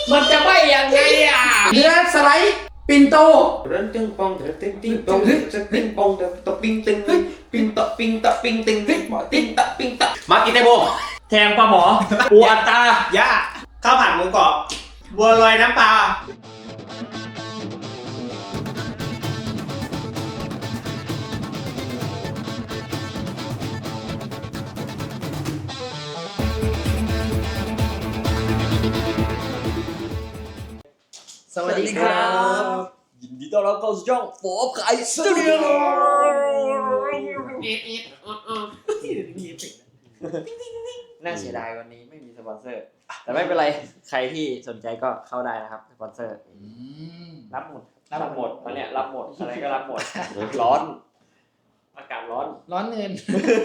มันจะไม่ยังไงอ่ะเนื้อสไลด์ปิ่นโตเรื่องตึงปองเถอะตึงติ้งปองจะติ้งปองเถอะตะปิ้งตึงปิ้งตะปิ้งตะปิ้งตึงหมอติ้งตะปิ้งตะมากินไตโบแทงปลาหมอปูอัตตาย่าข้าวผัดหมูกรอบบัวลอยน้ำปลาสวัสดีครับยินดีต้อนรับเข้าสู่ช่องโฟบไข่สตูดิโอน่าเสียดายวันนี้ไม่มีสปอนเซอร์แต่ไม่เป็นไรใครที่สนใจก็เข้าได้นะครับสปอนเซอร์รับหมดวันนี้รับหมดอะไรก็รับหมดร้อนอากาศร้อนเงิน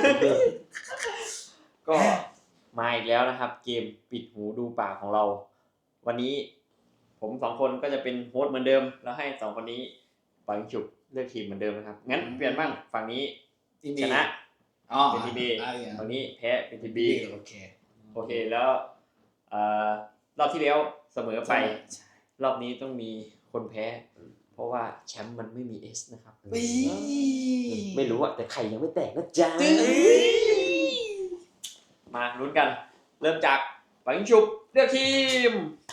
ก็มาอีกแล้วนะครับเกมปิดหูดูปากของเราวันนี้ผม2คนก็จะเป็นโฮสต์เหมือนเดิมแล้วให้2คนนี้ปังฉุบเลือกทีมเหมือนเดิมนะครับงั้นเปลี่ยนบ้างฝั่งนี้ชนะเป็นทีบีฝั่งนี้แพ้เป็นทีบีโอเคแล้วรอบที่แล้วเสมอไปรอบนี้ต้องมีคนแพ้เพราะว่าแชมป์มันไม่มีเอสนะครับไม่รู้อะแต่ไข่ยังไม่แตกนะจ๊ะมาลุ้นกันเริ่มจากปังฉุบเลือกทีม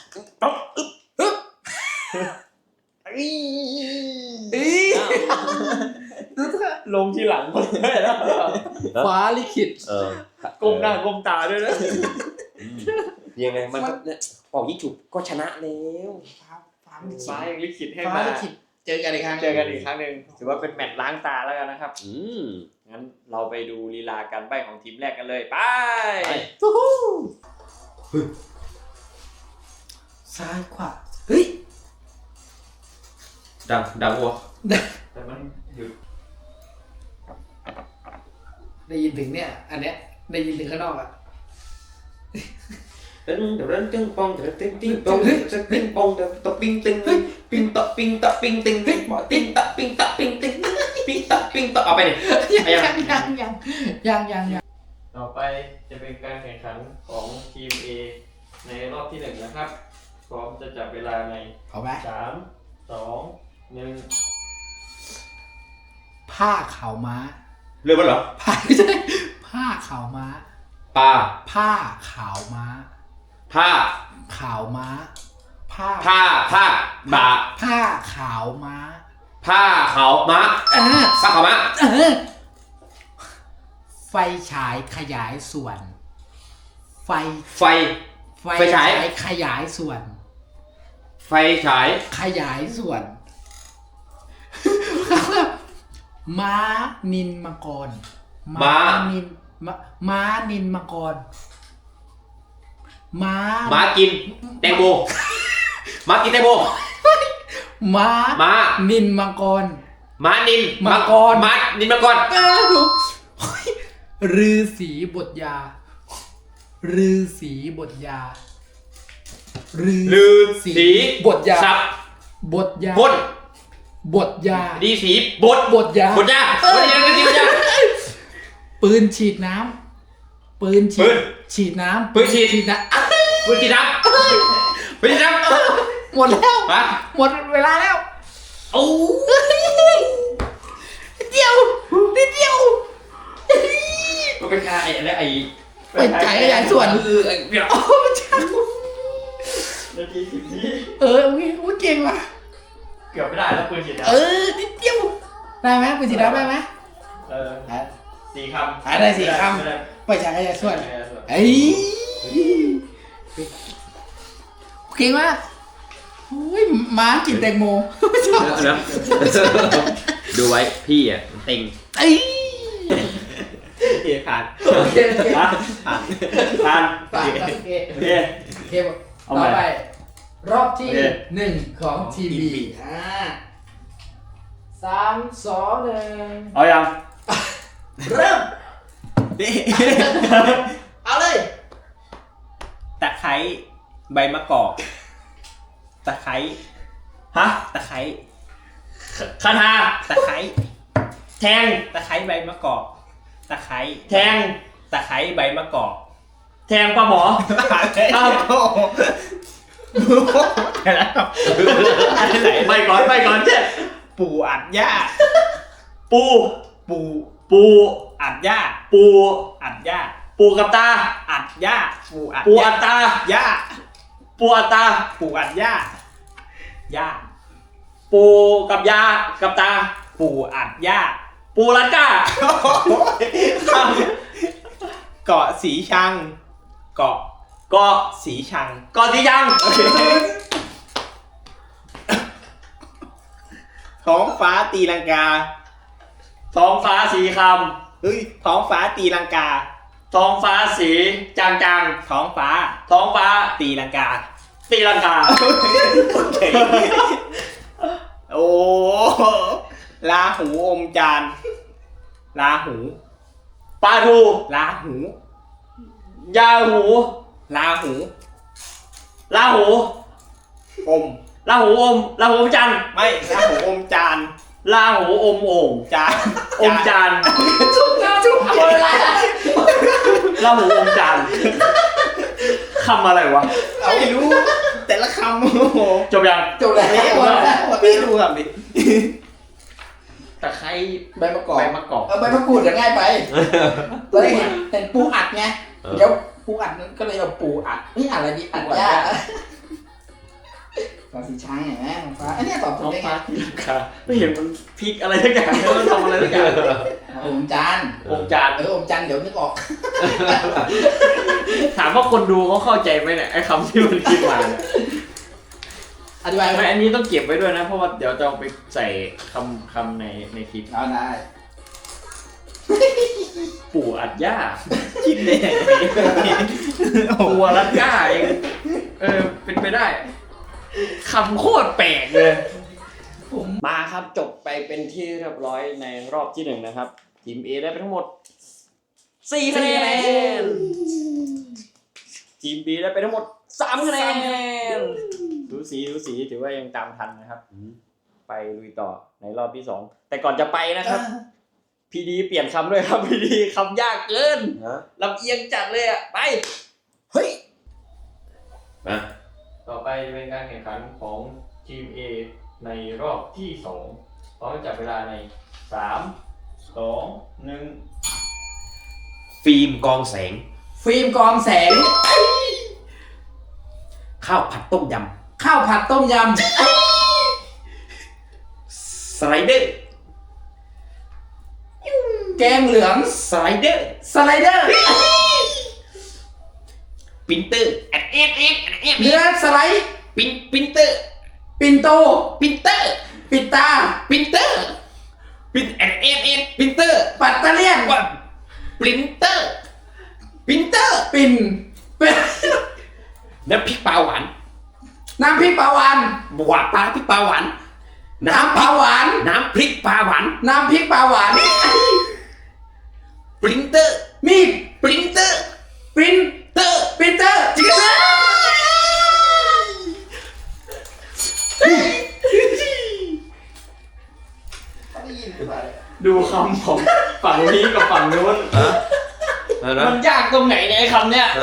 ลงทีหลังคนเลยนะฟ้าลิขิตก้มหน้าก้มตาด้วยนะยังไงมันออกยิ่งฉุบก็ชนะแล้วฟ้ายังลิขิตให้มาฟ้าลิขิตเจอกันอีกครั้งนึงถือว่าเป็นแมตช์ล้างตาแล้วกันนะครับงั้นเราไปดูลีลาการใบ้ของทีมแรกกันเลยไปซ้ายขวาเฮ้ยดังวัวแต่มันหยุดได้ยินถึงเนี่ยอันเนี้ยได้ยินถึงข้างนอกอ่ะตึงปองเถอะตึงติ้งปองจะติ้งปองเถอะตะปิ้งตึงปิ้งตะปิ้งตะปิ้งตึงหมอติ้งตะปิ้งตะปิ้งตึงปิ้งตะปิ้งตะเอาไปดิยังต่อไปจะเป็นการแข่งขันของทีม A ในรอบที่1นะครับพร้อมจะจับเวลาใน3 2 1 ผ้าขาวม้าเรื่องมันเหรอไม่ใช่ผ้าขาวม้าผ้าขาวม้าผ้าขาวม้าบ่าผ้าขาวม้าผ้าขาวม้าไฟฉายขยายส่วนไฟฉายขยายส่วนไฟฉายขยายส่วนม้านินมังกรม้านินมังกรม้ากินแตงโมม้ากินแตงโมม้านินมังกรม้านินมังกรฤาษีบทยาฤาษีบทยาสับบทยาดีสีบทยาปืนฉีดน้ำฉีดน้ำหมดแล้วหมดเวลาแล้วโอ้นิดเดียวมันเป็นการเป็นฉายขยายส่วนเดี๋ยวนาที10นี้โอเคเก่งว่ะเกือบไม่ได้แล้วปืนฉีดน้ำนิดเดียวได้ไหมปืนฉีดน้ำได้ไหม 4 คำได้4 คำไปฉายขยายส่วนเก่งมากม้ากินแตงโมดูไว้พี่อ่ะเต็งผ่านต่อไปรอบที่1ของทีบี3 2 1 เอายังเริ่มเอาเลยตะไคร้ใบมะกอกตะไคร้ตะไคร้คาถาตะไคร้แทงตะไคร้ใบมะกอกตะไคร้แทงตะไคร้ใบมะกอกแทงปลาหมอแต่ละคำอันไหนไปก่อนเช่นปู่อัดหญ้าปูปู่ปูอัดหญ้าปูอัดหญ้าปูกับตาอัดหญ้าปู่อัดปูอัตตาหญ้าปูอัตตาปู่อัดหญ้าหญ้าปูกับยากับตาปู่อัดหญ้าปูรัดก้าเกาะสีชัง เกาะเกาะสีชังเกาะสียังท้องฟ้าตีลังกาท้องฟ้าสีคเฮ้ยท้องฟ้าตีลังกาำท้องฟ้าสีจางท้องฟ้าๆท้องฟ้าตีลังกาตีลังกาโอ้ลาหูอมจานลาหูปลาทูลาหูยาหูลาหูลาหูอมลาหูอมลาหูอมจันทร์ไม่ลาหูอมจานลาหูอมโอ่งจานอมจานจุกแล้วจุกหมดเวลาลาหูอมจานคำอะไรวะไม่รู้ แต่ละคำโอ้โหจบยังจบแล้วหมดแล้วพี่ดูครับดิตะไคร้ใบมะกอกใบมะกอกใบมะกรูดจะง่ายไปตอนแรกเห็นปูอัดไงเดี๋ยวปูอัดนั้นก็เลยเอาปูอัดนี่อะไรดีอัดยากตอนสีช้างเห็นไหมน้องฟ้าอันนี้ตอบถูน้กองได้ไงฟ้าตีลังกาไม่เห็นมันพลิกอะไรสักอย่างมันทำอะไรสักอย่างอมจานอมจานอมจานเดี๋ยวนึกออกถามว่าคนดูเขาเข้าใจไหมเนี่ยไอ้คำที่มันคิดมาเนี่ยอธิบายไม่อันนี้ต้องเก็บไว้ด้วยนะ เพราะว่าเดี๋ยวจะเอาไปใส่คำในคลิปเอาได้ปู่อัดหญ้าคิดได้ยังไงปูรัดก้าเองเป็นไปได้คำโคตรแปลกเลยผมมาครับจบไปเป็นที่เรียบร้อยในรอบที่ 1นะครับทีม A ได้ไปทั้งหมด4คะแนนทีม B ได้ไปทั้งหมด3คะแนนดูสีถือว่ายังตามทันนะครับไปลุยต่อในรอบที่2แต่ก่อนจะไปนะครับพีดีเปลี่ยนคำด้วยครับพีดีคำยากเกินลำเอียงจัดเลยอ่ะไปเฮ้ยมาต่อไปจะเป็นการแข่งขันของทีม A ในรอบที่2พร้อมจับเวลาใน3 2 1 ฟิล์มกองแสงฟิล์มกองแสงข้าวผัดต้มยข้าวผัดต้มยำสไลเดอร์ำแกงเหลืองสไลเดอร์สไลเดอร์ปินเตอร์แอดเนื้อสไลด์ปินเตอร์ปินโตปินเตอร์ปิดตาปินเตอร์แอดปินเตอร์ปัตเตอร์เลียนว่าปรินเตอร์ปินเตอร์ปิ่นเป็นน้ำพริกปลาหวานน้ำพริกปลาหวานหวานปลาพริกปลาหวานน้ำปลาหวานน้ำพริกปลาหวานน้ำพริกปลาหวานปรินเตอร์มีดปรินเตอร์ปรินเตอร์ปรินเตอร์จิกเตอร์ดูคำของฝั่งนี้กับฝั่งนู้นมันยากตรงไหนเนี่ยไอ้คำเนี้ย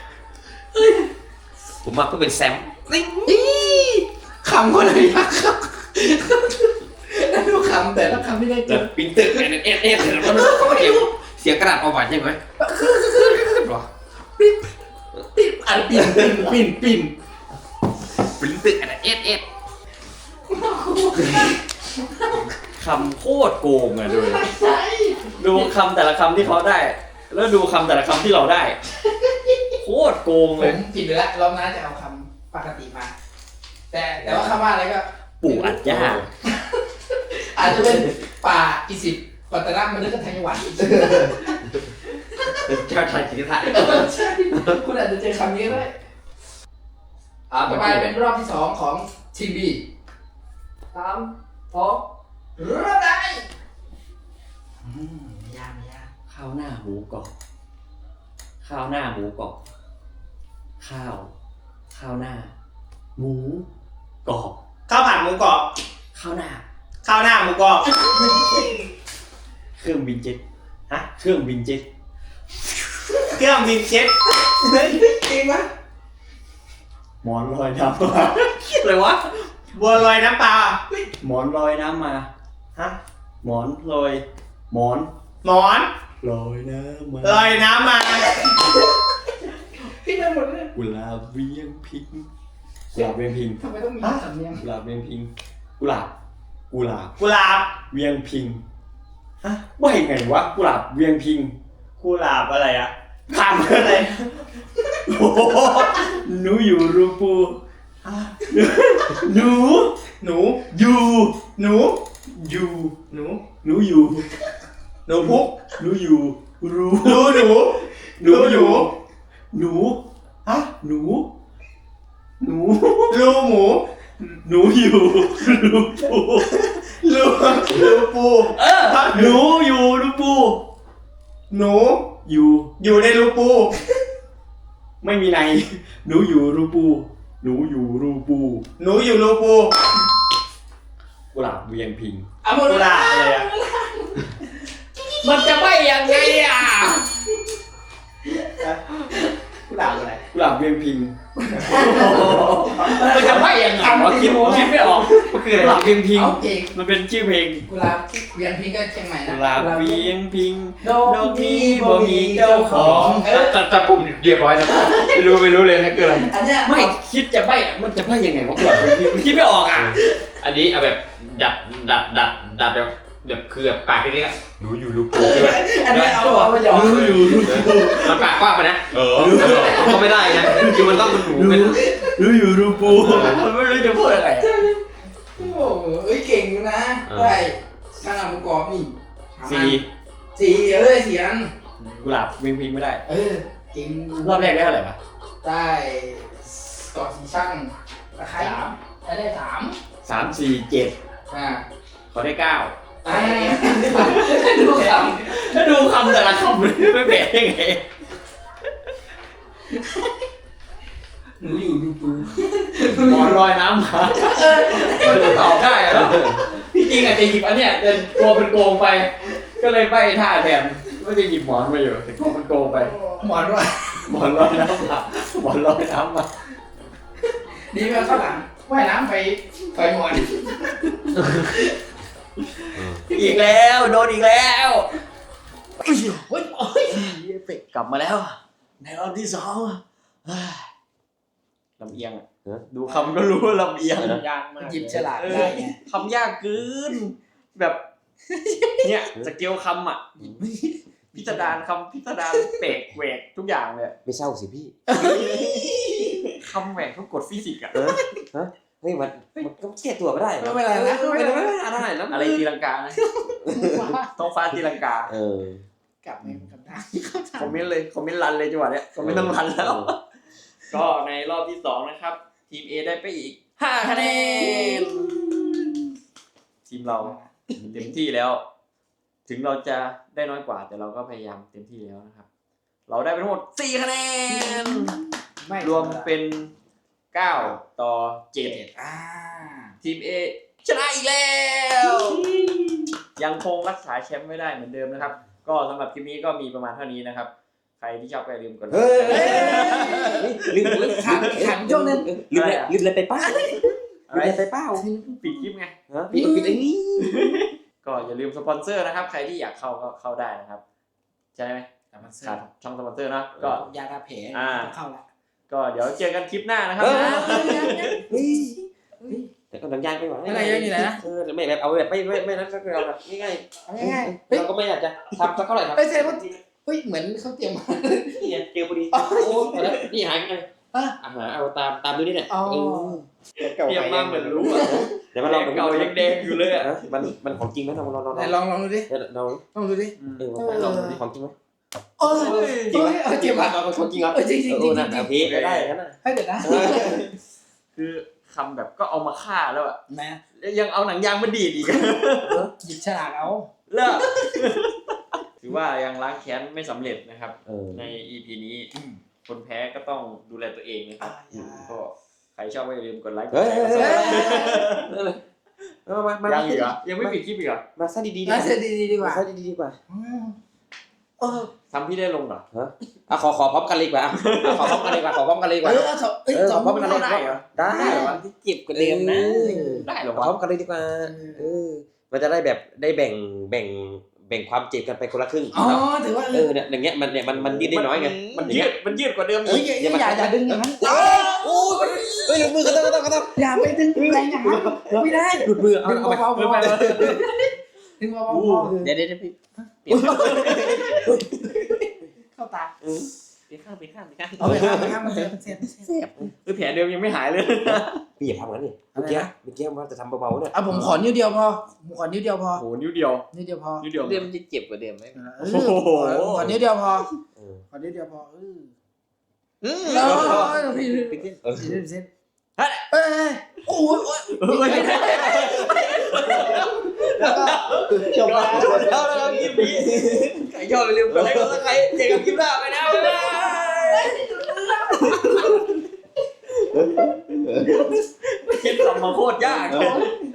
ผมมาเพื่อเป็นแซมคำคนไหนยากครับแล้วดูคำแต่ละคำไม่ได้เจอปรินเตอร์เสียงกระดาษประวัติใช่ไหมปิดอันปิ่นปิ่นปิ่นปรินเตอร์คำโคตรโกงอะดูคำแต่ละคำที่เขาได้ แล้วดูคำแต่ละคำที่เราได้ โคตรโกงผเลยมผิดไปแล้วรอบหน้าจะเอาคำปกติมา แต่ว่าคำว่าอะไรก็ปู่อัดหญ้าอาจจะเป็นป่าอิสิปปัตตนามันนึกว่าธัญวัฒน์เจ้าชายจิตรไทยใช่คุณอาจจะเจอคำนี้ก็ได้ต่อไปเป็นรอบที่2ของทีมบี3 2เริ่มได้ไม่ยากข้าวหน้าหมูกรอบข้าวหน้าหมูกรอบข้าวหน้าหมูกรอบข้าวผัดหมูกรอบข้าวหน้าข้าวหน้าหมูกรอบเครื่องบินเจ็ตเครื่องบินเจ็ตเครื่องบินเช็ดจริงปะหมมอนลอยน้ำมาอะไรวะบัวลอยน้ำปลาหมอนลอยน้ำมาฮะหมอนลอยหมอนหมอนลอยน้ำมาลอยน้ำมาพี่ไปหมดเลยกุหลาบเวียงพิงกุหลาบเวียงพิงทำไมต้องมีสำเนียงกุหลาบเวียงพิงกุหลาบกุหลาบกุหลาบเวียงพิงฮะว่ายังไงวะกุหลาบเวียงพิงกุหลาบอะไรอะข้ามอะไรโอ้โหหนูอยู่รูปูหนูหนูอยู่หนูอยู่หนูหนูอยู่หนูพุกหนูอยู่รูหนูหนูหนูอยู่หนูฮะหนูหนูรูหมูหนูอยู่รูปูรูรูปูหนูอยู่รูปูหนูอยู่อยู่ในรูปูไม่มีในหนูอยู่รูปูหนูอยู่รูปูหนูอยู่รูปูกุหลาบเวียงพิงเอาหมดกุหลาบอะไรอะมันจะไม่ยังไงอ่ะกุหลาบอะไรกุหลาบเวียงพิงมันจะไม่ยังไงวะคิดไม่ออกมันคืออะไรกุหลาบเวียงพิงเอาเองมันเป็นชื่อเพลงกุหลาบเวียนพิงก็เชียงใหม่นะกุหลาบเวียงพิงดอกนี้บ่มีเจ้าของเออแต่ผมเรียบร้อยแล้วไม่รู้เลยนะคืออะไรอันเนี้ยไม่คิดจะใบ้อะมันจะใบ้ยังไงวะกุหลาบเวียงพิงมันคิดไม่ออกอ่ะอันนี้เอาแบบดัดแบบคือแบบปากที่นี่อะหนูอยู่รูปูคือแบบอันเนี้ยเอามาหยอกหนูอยู่รูปูมันปากกว้างไปนะก็ไม่ได้นะคือมันต้องเป็นหนูเป็นหนูอยู่รูปูมันไม่รู้จะพูดอะไรอะโอ้โหเอ้ยเก่งอยู่นะได้ข้างหลังประกอบนี่สี่สี่เอ้ยสี่อันกุหลาบเวียงพิงไม่ได้เออเก่งรอบแรกได้เท่าไหร่ปะได้ก่อสีช่างตะไคร้ได้สาม 3 4 7 อ่าขอได้9 อ่าดูคถ้าดูคำแต่ละคำมันไม่แปลยังไงำหนูอยู่ดูปูหมอนลอยน้ำมามันจะตอบได้เหรอที่จริงอาจจะหยิบอันเนี้ยแต่กลัวเป็นโกงไป ก็เลยใบ้ท่าแทนว่าจะหยิบหมอนมาอยู่แต่กลัวมันโกงไปหมอนว่าหมอนลอยน้ำมาหมอนลอยน้ำมาดีไหมข้างหลังว่ายน้ำไปหมอนอีกแล้วโดนอีกแล้วเฮ้ยเฮ้ยโอ้ยเอฟเฟกต์กลับมาแล้ว ในรอบที่2เฮ้ยลำเอียงอะดูคำก็รู้ว่าลำเอียงยากมากหยิบฉลากได้ไงคำยากเกินแบบเนี่ยสเกลคำอ่ะพิสดารคำพิสดารเปกแหวกทุกอย่างเลยไม่เศร้าสิพี่คำแหวกทุกกฎฟิสิกส์อ่ะเฮ้ยมันก็แก้ตัวไม่ได้ไม่เป็นไรนะไม่ได้แล้วอะไรตีลังกานะท้องฟ้าตีลังกากลับไปกลับได้คอมเมนต์เลยคอมเมนต์รันเลยจังหวะเนี้ยคอมเมนต์ต้องรันแล้ว ก็ในรอบที่2นะครับทีม A ได้ไปอีก5 คะแนนทีมเราเต็มที่แล้ว ถึงเราจะได้น้อยกว่าแต่เราก็พยายามเต็มที่แล้วนะครับ เราได้ไปทั้งหมด4 คะแนน รวมเป็น9 ต่อ 7 อ่าทีม A ชนะอีกแล้ว ยังคงรักษาแชมป์ไม่ได้เหมือนเดิมนะครับ ก็สำหรับคลิปนี้ก็มีประมาณเท่านี้นะครับ ใครที่ชอบก็อย่าลืมกดไลค์ลืมขังช่วงนึงลืมอะไรไปป้าอะไรไปเป้าปิดคลิปไงปิดไอ้นี่ก็อย่าลืมสปอนเซอร์นะครับ ใครที่อยากเข้าก็เข้าได้นะครับใช่ไหมมันขาดช่องสปอนเซอร์เนอะก็ยาทาแผลเข้าละก็เดี๋ยวเจอกันคลิปหน้านะครับแต่ก็ดังยางไปหว่าอะไรยังอยู่ไหนนะไม่แบบเอาแบบไม่นั้นก็คือเอาแบบง่ายง่ายๆเราก็ไม่อยากจะทำสักเท่าไหร่ครับเฮ้ยเจ๊ว่าเฮ้ยเหมือนเขาเตรียมมานี่เจอพอดีโอ้แล้วนี่หายไงอาหารเอาตามดูนี่เนี่ยเตรียมมาเหมือนรู้อะเดี๋ยวมาลองเก่ายังแดงอยู่เลยอะมันของจริงไหมเราลองไหนลองดูดิเราลองดูดิลองดูของจริงไหมเออจริงไหมจริงไหมของจริงเหรอจริงจริงจริงโอเคได้งั้นน่ะให้เดี๋ยวนะคือคำแบบก็เอามาฆ่าแล้วอะนะแล้วยังเอาหนังยางมาดีดอีกหยิบฉลากเอาเลิกถือว่ายังล้างแค้นไม่สำเร็จนะครับ ใน EP นี้คนแพ้ก็ต้องดูแลตัวเองนะครับก็ใครชอบก็อย่าลืมกดไลค์กดแชร์ยังอีกเหรอยังไม่ปิดคลิปอีกเหรอมาซะดีๆน่าจะดีดีกว่าซะดีๆดีกว่าทำพี่ได้ลงเหรออ่ะขอพร้อมกันเลยดีกว่าขอพร้อมกันเลยดีกว่าขอพร้อมกันเลยดีกว่าสองพร้อมกันเลยได้เหรอได้ที่เจ็บกว่าเดิมนะ ได้เหรอพร้อวะมกันเลยดีกว่ามันจะได้แบบได้แบ่งความเจ็บกันไปคนละครึ่งอ๋อถือว่าเนี่ยอย่างเงี้ยมันยืดได้น้อยไงมันยืดกว่าเดิมเฮ้ยอีกอย่าดึงอย่างนั้นโอ้ยเฮ้ยมือก็ต้องอย่าไปดึงแรงอย่างนั้นไม่ได้หลุดมือเอาดึงเอาไปเบาๆพอดึงเบาๆพอเดี๋ยวพี่เข้าตาเปลี่ยนข้างเอาไปข้ามมาเสียคือแผลเดิมยังไม่หายเลยพี่อย่าทำงั้นนี่เมื่อกี้ว่าจะทำเบาๆเนี่ยเอาผมขอนิ้วเดียวพอผมขอนิ้วเดียวพอโอ้โหนิ้วเดียวนิ้วเดียวพอนิ้วเดียวเดิมจะเจ็บกว่าเดิมไหมขอนิ้วเดียวพอเออขอนิ้วเดียวพอ嗯พี่เออเส้นเอ้ยโอ้ยจบแล้วแล้วคลิปนี้ใครชอบอย่าลืมกดไลค์กดซับสไครต์เจอกันคลิปหน้าไปนะบ๊ายบายคลิปส่งมาโคตรยาก